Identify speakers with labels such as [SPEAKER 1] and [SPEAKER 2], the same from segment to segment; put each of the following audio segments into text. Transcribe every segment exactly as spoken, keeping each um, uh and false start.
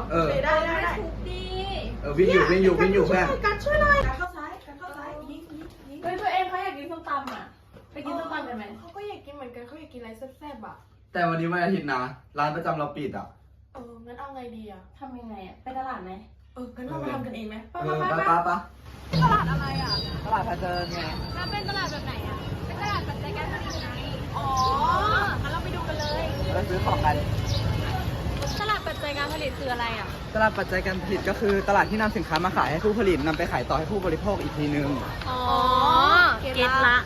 [SPEAKER 1] เออ
[SPEAKER 2] ได้ได้ได้
[SPEAKER 3] ถูกดี
[SPEAKER 1] เออวิ่งอยู่วิ่งอยู่วิ่งอยู่เพื่อน
[SPEAKER 2] การช่วยหน่อยการเข้าซ้ายการเข้าซ้ายยิงยิงยิง
[SPEAKER 3] เฮ้ยตัวเองเขาอยากกินส้มตำอ่ะไปกินส้มตำกันไหม
[SPEAKER 2] เขาก็อยากกินเหมือนกันเขาอยากกินอะไรแซ่บๆอ่ะ
[SPEAKER 1] แต่วันนี้วันอาทิตย์นะร้านประจำเราปิดอ่ะ
[SPEAKER 2] เอองั้นเอาไงดีอ่ะ
[SPEAKER 3] ทำยังไงอ่ะไปตลาดไหม
[SPEAKER 2] เอองั้นเรามาทำกันเองไหม
[SPEAKER 1] เออป้าป้าป้า
[SPEAKER 3] ตลาดอะไรอ่ะ
[SPEAKER 1] ตลาดพาเจริญไง
[SPEAKER 3] แล้วเป็นตลาดแบบไหนอ่ะเป็นตลาดปัจจัยการผลิตไงอ๋องั้นเราไปดูกันเลย
[SPEAKER 1] เราซื้อของกัน
[SPEAKER 3] ตลาดปัจจัยการผลิตคืออะไรอ่ะ
[SPEAKER 1] ตลาดปัจจัยการผลิตก็คือตลาดที่นำสินค้ามาขายให้ผู้ผลิตนำไปขายต่อให้ผู้บริโภคอีกทีนึง
[SPEAKER 3] อ๋อเก็ตละ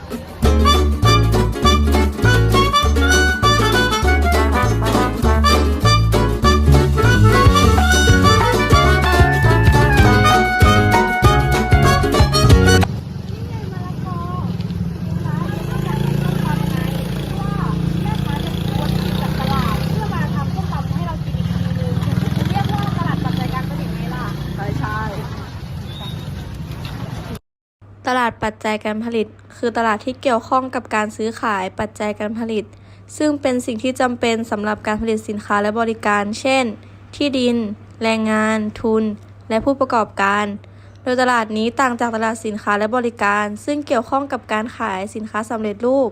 [SPEAKER 4] ตลาดปัจจัยการผลิตคือตลาดที่เกี่ยวข้องกับการซื้อขายปัจจัยการผลิตซึ่งเป็นสิ่งที่จำเป็นสำหรับการผลิตสินค้าและบริการ เช่น ที่ดิน แรงงาน ทุน และผู้ประกอบการ โดยตลาดนี้ต่างจากตลาดสินค้าและบริการซึ่งเกี่ยวข้องกับการขายสินค้าสำเร็จรูป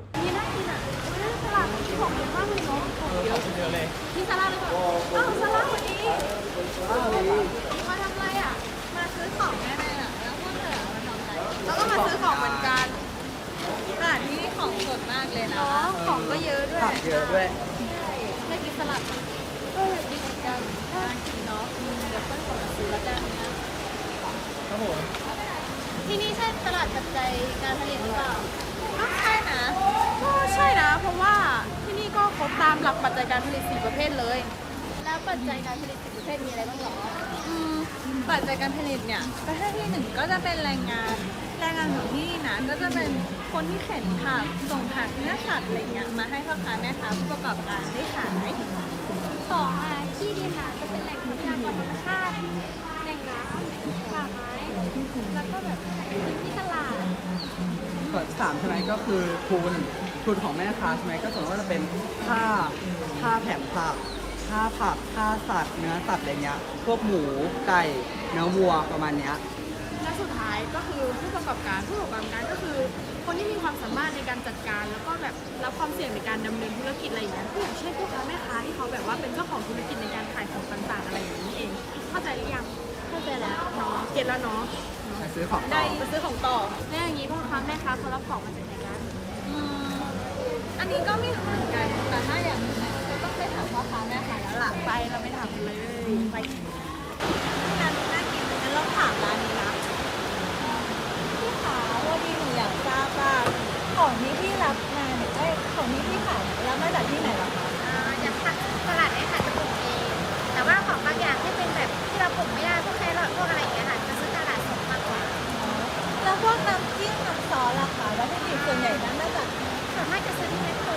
[SPEAKER 3] นี่ซาร่าหรือเปล่าอ้าวซาร่าวันนี้มาทำอะไรอ่ะมาซื้อของแน่ๆอ่ะแล้วพวกเธอมาทำอะไร
[SPEAKER 2] แล้วก็มาซื้อของเหมือนกัน
[SPEAKER 3] ตลาดนี้ของสดมากเลยนะ
[SPEAKER 2] ของก็เยอะด้วย
[SPEAKER 1] ผักเยอะด้วย
[SPEAKER 3] ไม่กินสลัดก็อยากกินเหมือนกันน่ากินเนาะเดี๋ยวเพื่อนขอมาซื้อแล้วกันนะครับ
[SPEAKER 1] ผม
[SPEAKER 3] ที่นี่ใช่ตลาดปัจจัยการผลิตหรือเปล่าก็ใช่นะ
[SPEAKER 2] ก็ใช่นะเพราะว่าที่นี่ก็ครบตามหลักปัจจัยการผลิตสี่ประเภทเลย
[SPEAKER 3] แล้วปัจจัยการผลิตสิบประเภทมีอะไรบ้างหรอ
[SPEAKER 5] อืมปัจจัยการผลิตเนี่ยประเภทที่หนึ่งก็จะเป็นแรงงาน แรงงานของที่นี่นะก็จะเป็นคนที่เข็นผักส่งผักเนื้อสัตว์อะไรเงี้ยมาให้พ่อค้าแม่ค้าผู้ประกอบการได้ขาย
[SPEAKER 3] สองอ่ะที่ดินอ่ะจะเป็นแหล่งทรัพยากรธรรมชาติแหล่งน้ำป่าไม้แล้วก็แบบพื้นที่ตลาด
[SPEAKER 1] ส่วนสามใช่ไหมก็คือทุนทุนของแม่ค้าใช่ไหมก็ส่วนว่าจะเป็นค่าค่าแผงผักค่าผักค่าสัตว์เนื้อสัตว์อะไรเงี้ยพวกหมูไก่เนื้อวัวประมาณเนี้ย
[SPEAKER 2] และสุดท้ายก็คือผู้ประกอบการผู้ประกอบการก็คือ คนที่มีความสามารถในการจัดการแล้วก็แบบรับความเสี่ยงในการดำเนินธุรกิจอะไรอย่างเงี้ยอย่างเช่นผู้ค้าแม่ค้าที่เขาแบบว่าเป็นเจ้าของธุรกิจในการขายของต่างๆอะไรอย่างนี้เองเข้าใจหรือยัง
[SPEAKER 3] เข้าใจแล้ว
[SPEAKER 2] เนาะเก็ตแล้วเนาะ
[SPEAKER 1] ไปซื้อของต่
[SPEAKER 2] ได้
[SPEAKER 1] อ
[SPEAKER 2] ไปซื้อของต่อ
[SPEAKER 3] แล้วอย่างนี้พ่อค้าแม่ค้าเขารับของมาจากไหนกัน
[SPEAKER 5] อืมอันนี้ก็ไม่รู้เหมือนกันแต่ถ้าอย่างนี้นะก็ต้องไปถามพ่อค้าแม่ค้าแล้วล่ะ
[SPEAKER 2] ไปเราไม่ถามกันเลยไป
[SPEAKER 5] ร้านนี้น่ากินงั้นเราถามร้านนี้นะพี่ขาวันนี้หนูอยากทราบว่าของที่พี่รับมาเนี่ยเอ้ยของที่พี่ขายเนี่ยรับมาจากที่ไหนเหรอคะ
[SPEAKER 3] อย่างผักตลาดเนี่ยค่ะจะปลูกเองแต่ว่าของบางอย่างที่เป็นแบบที่เราปลูกไม่ได้พวกแครอทพวกอะไรอย่างเงี้ยค่ะจะซื้อตลาดสดมากกว่า
[SPEAKER 5] แล้วพวกน้ำจิ้มน้ำซอสล่ะคะวัตถุดิบส่วนใหญ่นั้นมาจาก
[SPEAKER 3] ส่วนมากจะซื้อที่แมคโคร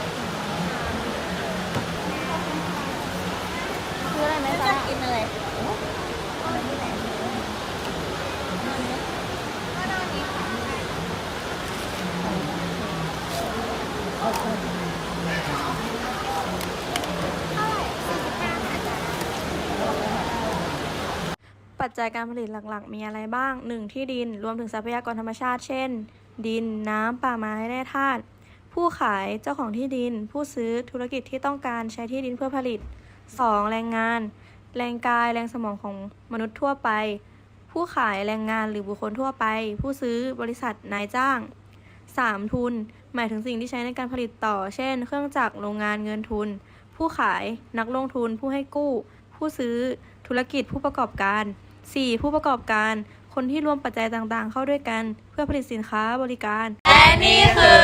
[SPEAKER 3] ซื้ออะไรไหม
[SPEAKER 5] ไม่
[SPEAKER 3] จ๊ะ
[SPEAKER 5] จะกินอะไร
[SPEAKER 4] ปัจจัยการผลิตหลักๆ มีอะไรบ้าง หนึ่ง ที่ดิน รวมถึงทรัพยากรธรรมชาติ เช่น ดิน น้ำ ป่าไม้ แร่ธาตุ ผู้ขาย เจ้าของที่ดิน ผู้ซื้อ ธุรกิจที่ต้องการใช้ที่ดินเพื่อผลิต สอง แรงงาน แรงกาย แรงสมองของมนุษย์ทั่วไป ผู้ขาย แรงงานหรือบุคคลทั่วไป ผู้ซื้อ บริษัท นายจ้าง สาม ทุน หมายถึงสิ่งที่ใช้ในการผลิตต่อ เช่น เครื่องจักร โรงงาน เงินทุน ผู้ขาย นักลงทุน ผู้ให้กู้ ผู้ซื้อ ธุรกิจ ผู้ประกอบการ สี่ ผู้ประกอบการ คนที่รวมปัจจัยต่างๆ เข้าด้วยกัน เพื่อผลิตสินค้าบริการ
[SPEAKER 5] และนี่คือ